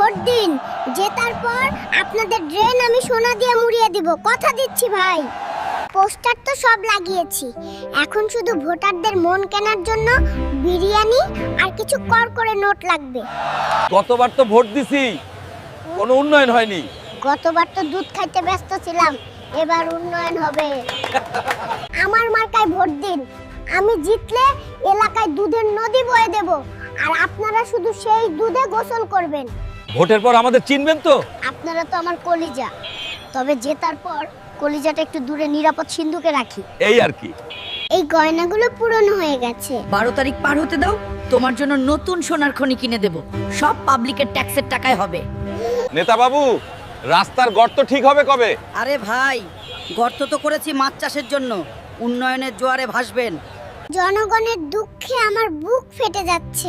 Vote দিন, জেতার পর আপনাদের ড্রেন আমি সোনা দিয়ে মুড়িয়ে দিব, কথা দিচ্ছি ভাই। পোস্টার তো সব লাগিয়েছি, এখন শুধু ভোটারদের মন কেনার জন্য বিরিয়ানি আর কিছু করে নোট লাগবে। গতবার তো ভোট দিছি, কোনো উন্নয়ন হয়নি। গতবার তো দুধ খাইতে ব্যস্ত ছিলাম, এবার উন্নয়ন হবে। আমার মার্কায় ভোট দিন, আমি জিতলে এলাকায় দুধের নদী বয়ে দেব, আর আপনারা শুধু সেই দুধে গোসল করবেন। ভোটের পর আমাদের চিনবেন তো? আপনারা তো আমার কলিজা, তবে জেতার পর কলিজাটা একটু দূরে নিরাপদ সিন্ধুকে রাখি। এই আর কি। এই গয়নাগুলো পুরনো হয়ে গেছে। 12 তারিখ পার হতে দাও, তোমার জন্য নতুন সোনার খনি কিনে দেব, সব পাবলিকের ট্যাক্সের টাকায় হবে। নেতা বাবু, রাস্তার গর্ত ঠিক হবে কবে? আরে ভাই, গর্ত তো করেছি মাছ চাষের জন্য, উন্নয়নের জোয়ারে ভাসবেন। জনগণের দুঃখে আমার বুক ফেটে যাচ্ছে।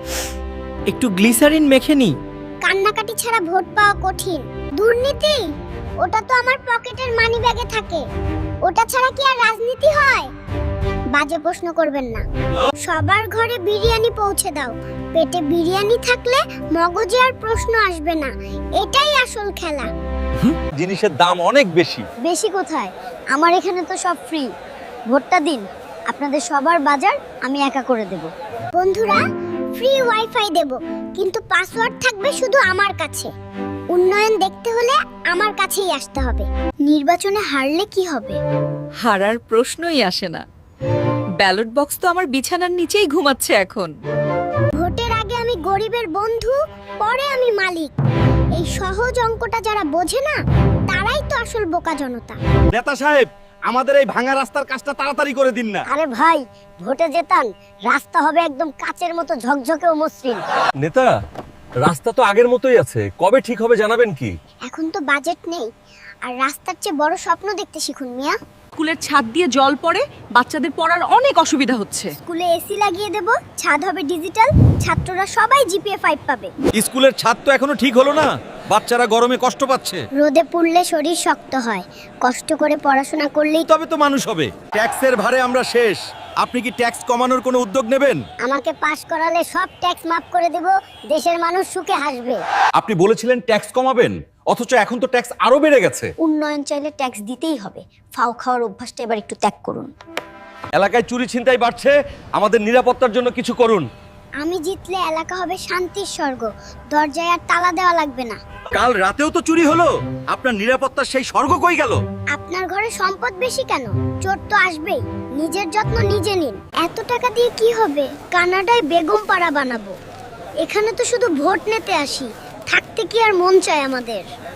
একটু গ্লিসারিন মেখে নি। কান্নাকাটি ছাড়া ভোট পাওয়া কঠিন। দুর্নীতি, ওটা তো আমার পকেটের মানি ব্যাগে থাকে, ওটা ছাড়া কি আর রাজনীতি হয়? বাজে প্রশ্ন করবেন না। সবার ঘরে বিরিয়ানি পৌঁছে দাও, পেটে বিরিয়ানি থাকলে মগজে আর প্রশ্ন আসবে না, এটাই আসল খেলা। জিনিসের দাম অনেক বেশি। বেশি কোথায়, আমার এখানে তো সব ফ্রি। ভোটটা দিন, আপনাদের সবার বাজার আমি একা করে দেব। বন্ধুরা, ফ্রি ওয়াইফাই দেব, কিন্তু পাসওয়ার্ড থাকবে শুধু আমার কাছে। উন্নয়ন দেখতে হলে আমার কাছেই আসতে হবে। নির্বাচনে হারলে কি হবে? হারার প্রশ্নই আসে না। ব্যালট বক্স তো আমার বিছানার নিচেই ঘুমাচ্ছে এখন। ভোটের আগে আমি গরিবের বন্ধু, পরে আমি মালিক। এই সহজ অঙ্কটা যারা বোঝে না, তারাই তো আসল বোকা জনতা। নেতা সাহেব, আমাদের এই ভাঙা রাস্তার কাজটা তাড়াতাড়ি করে দিন না। আরে ভাই, ভোটে জেতান, রাস্তা হবে একদম কাচের মতো ঝকঝকে ও মসৃণ। নেতা, রাস্তা তো আগের মতোই আছে, কবে ঠিক হবে জানাবেন কি? এখন তো বাজেট নেই, আর রাস্তার চেয়ে বড় স্বপ্ন দেখতে শিখুন মিয়া। স্কুলের ছাদ দিয়ে জল পড়ে, বাচ্চাদের পড়ার অনেক অসুবিধা হচ্ছে। স্কুলে এসি লাগিয়ে দেব, ছাদ হবে ডিজিটাল, ছাত্ররা সবাই জিপিএ 5 পাবে। স্কুলের ছাদ তো এখনো ঠিক হলো না, বাচ্চারা গরমে কষ্ট পাচ্ছে। রোদে পুড়লে শরীর শক্ত হয়, কষ্ট করে পড়াশোনা করলেই তবে তো মানুষ হবে। ট্যাক্সের ভারে আমরা শেষ, আপনি কি ট্যাক্স কমানোর কোনো উদ্যোগ নেবেন? আমাকে পাস করালে সব ট্যাক্স মাফ করে দেব, দেশের মানুষ সুখে হাসবে। আপনি বলেছিলেন ট্যাক্স কমাবেন, অথচ এখন তো ট্যাক্স আরো বেড়ে গেছে। উন্নয়ন চাইলে ট্যাক্স দিতেই হবে, ফাও খাওয়ার অভ্যাসটা এবার একটু ত্যাগ করুন। এলাকায় চুরি ছিনতাই বাড়ছে, আমাদের নিরাপত্তার জন্য কিছু করুন। আমি জিতলে এলাকা হবে শান্তির স্বর্গ, দরজায় আর তালা দেওয়া লাগবে না। কাল রাতেও তো চুরি হলো, আপনার নিরাপত্তার সেই স্বর্গ কই গেল? আপনার ঘরে সম্পদ বেশি কেন? চোর তো আসবেই, নিজের যত্ন নিজে নিন। এত টাকা দিয়ে কি হবে? কানাডায় বেগম পাড়া বানাবো। এখানে তো শুধু ভোট নিতে আসি, থাকতে কি আর মন চায় আমাদের?